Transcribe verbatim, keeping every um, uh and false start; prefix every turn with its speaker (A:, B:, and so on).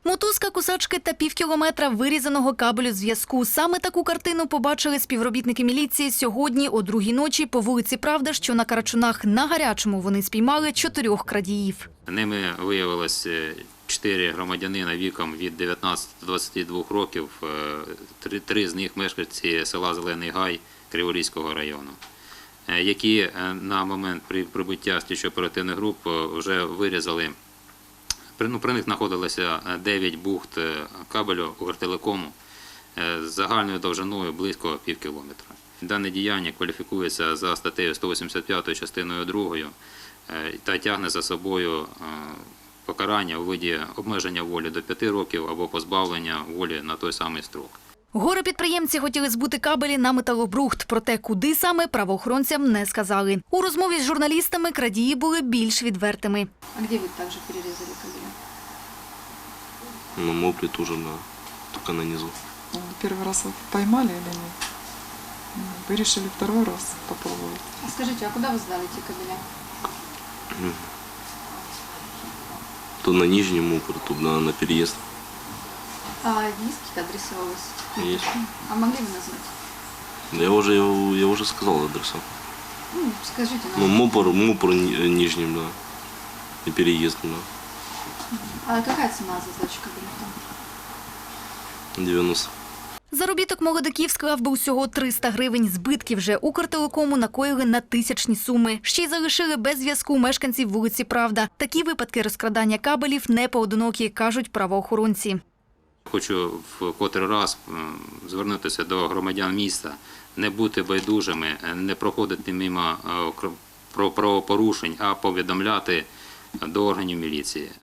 A: Мотузка, кусачки та півкілометра вирізаного кабелю зв'язку. Саме таку картину побачили співробітники міліції сьогодні о другій ночі по вулиці Правда, що на Карачунах. На Гарячому вони спіймали чотирьох крадіїв.
B: Ними виявилось чотири громадянина віком від дев'ятнадцяти до двадцяти двох років, три, три з них мешканці села Зелений Гай Криворізького району, які на момент прибуття слідчо-оперативних груп вже вирізали. Ну, при них знаходилося дев'ять бухт кабелю Укртелекому з загальною довжиною близько пів кілометра. Дане діяння кваліфікується за статтею сто вісімдесят п'ять частиною другою та тягне за собою покарання у виді обмеження волі до п'яти років або позбавлення волі на той самий строк.
A: Горе-підприємці хотіли збути кабелі на металобрухт, проте куди саме правоохоронцям не сказали. У розмові з журналістами крадії були більш відвертими.
C: А де ви також перерізали кабелі?
D: На мопле тоже, да, только на низу.
E: Первый раз вы поймали или нет? Вы решили второй раз попробовать?
C: А скажіть, а куди ви здали ті кабеля?
D: То на нижнем мопре, то на, на переезд.
C: А есть какие-то адреса у вас?
D: Есть.
C: А могли бы назвать?
D: Да я уже, я, я уже сказал адреса.
C: Ну, скажите
D: Ну,
C: нам.
D: мопр, мопр ни- нижним, да. И переезд, да.
C: А какая цена за сдачу кабеля там?
D: девяносто.
A: Заробіток молодиків склав би усього триста гривень. Збитків же Укртелекому накоїли на тисячні суми. Ще й залишили без зв'язку мешканців вулиці Правда. Такі випадки розкрадання кабелів не поодинокі, кажуть правоохоронці.
B: Хочу в котрий раз звернутися до громадян міста, не бути байдужими, не проходити мимо правопорушень, а повідомляти до органів міліції.